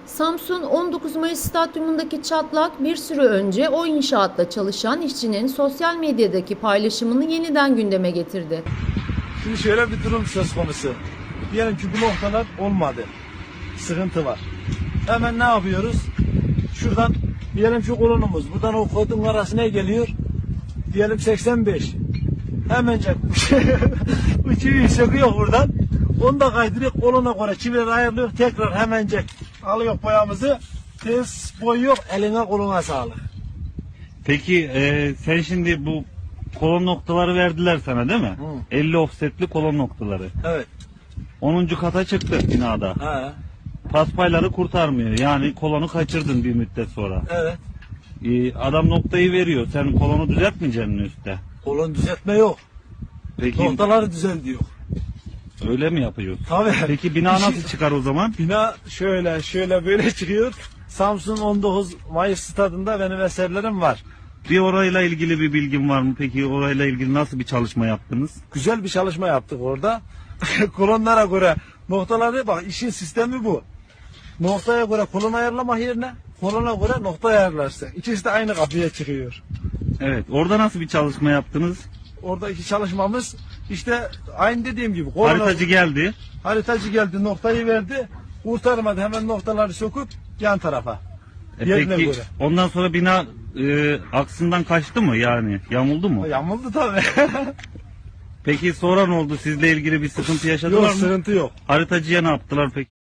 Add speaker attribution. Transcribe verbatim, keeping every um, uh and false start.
Speaker 1: Samsun on dokuz Mayıs Stadyumundaki çatlak bir süre önce o inşaatta çalışan işçinin sosyal medyadaki paylaşımını yeniden gündeme getirdi.
Speaker 2: Şimdi şöyle bir durum söz konusu. Diyelim ki bu noktalar olmadı. Sıkıntı var. Hemen ne yapıyoruz? Şuradan diyelim şu kolonumuz. Buradan o kodun arası ne geliyor? Diyelim seksen beş. Hemencek bu çiviyi söküyor buradan. Onu da kaydırıyor. Kolona göre çivileri ayarlıyor. Tekrar hemencek alıyor boyamızı. Tez boyuyor. Eline koluna sağlık.
Speaker 3: Peki e, sen şimdi bu kolon noktaları verdiler sana değil mi?
Speaker 2: Hı.
Speaker 3: elli offsetli kolon noktaları.
Speaker 2: Evet.
Speaker 3: onuncu kata çıktı binada.
Speaker 2: He.
Speaker 3: Paspayları kurtarmıyor. Yani kolonu kaçırdın bir müddet sonra.
Speaker 2: Evet.
Speaker 3: E, adam noktayı veriyor. Sen kolonu düzeltmeyeceksin mi üstte?
Speaker 2: Kolon düzeltme yok.
Speaker 3: Peki
Speaker 2: Noktaları düzel diyor.
Speaker 3: öyle mi yapıyorsun?
Speaker 2: Tabii.
Speaker 3: Peki bina nasıl çıkar o zaman?
Speaker 2: Bina şöyle şöyle böyle çıkıyor. Samsun on dokuz Mayıs stadında benim eserlerim var.
Speaker 3: Bir orayla ilgili bir bilgin var mı? Peki orayla ilgili nasıl bir çalışma yaptınız?
Speaker 2: Güzel bir çalışma yaptık orada. Kolonlara göre noktaları bak, işin sistemi bu. Noktaya göre kolon ayarlamak yerine kolona göre nokta ayarlarsın. İkisi de aynı kapıya çıkıyor.
Speaker 3: Evet. Orada nasıl bir çalışma yaptınız?
Speaker 2: Oradaki çalışmamız işte aynı dediğim gibi. Kolona,
Speaker 3: Haritacı geldi.
Speaker 2: haritacı geldi, noktayı verdi. Kurtarmadı, hemen noktaları söküp yan tarafa.
Speaker 3: E
Speaker 2: Yerine
Speaker 3: peki
Speaker 2: göre.
Speaker 3: ondan sonra bina e, aksından kaçtı mı yani? Yamuldu mu?
Speaker 2: Yamuldu tabii.
Speaker 3: Peki sonra ne oldu? Sizle ilgili bir sıkıntı yaşadılar
Speaker 2: Yok,
Speaker 3: mı?
Speaker 2: sıkıntı yok.
Speaker 3: Haritacıya ne yaptılar peki?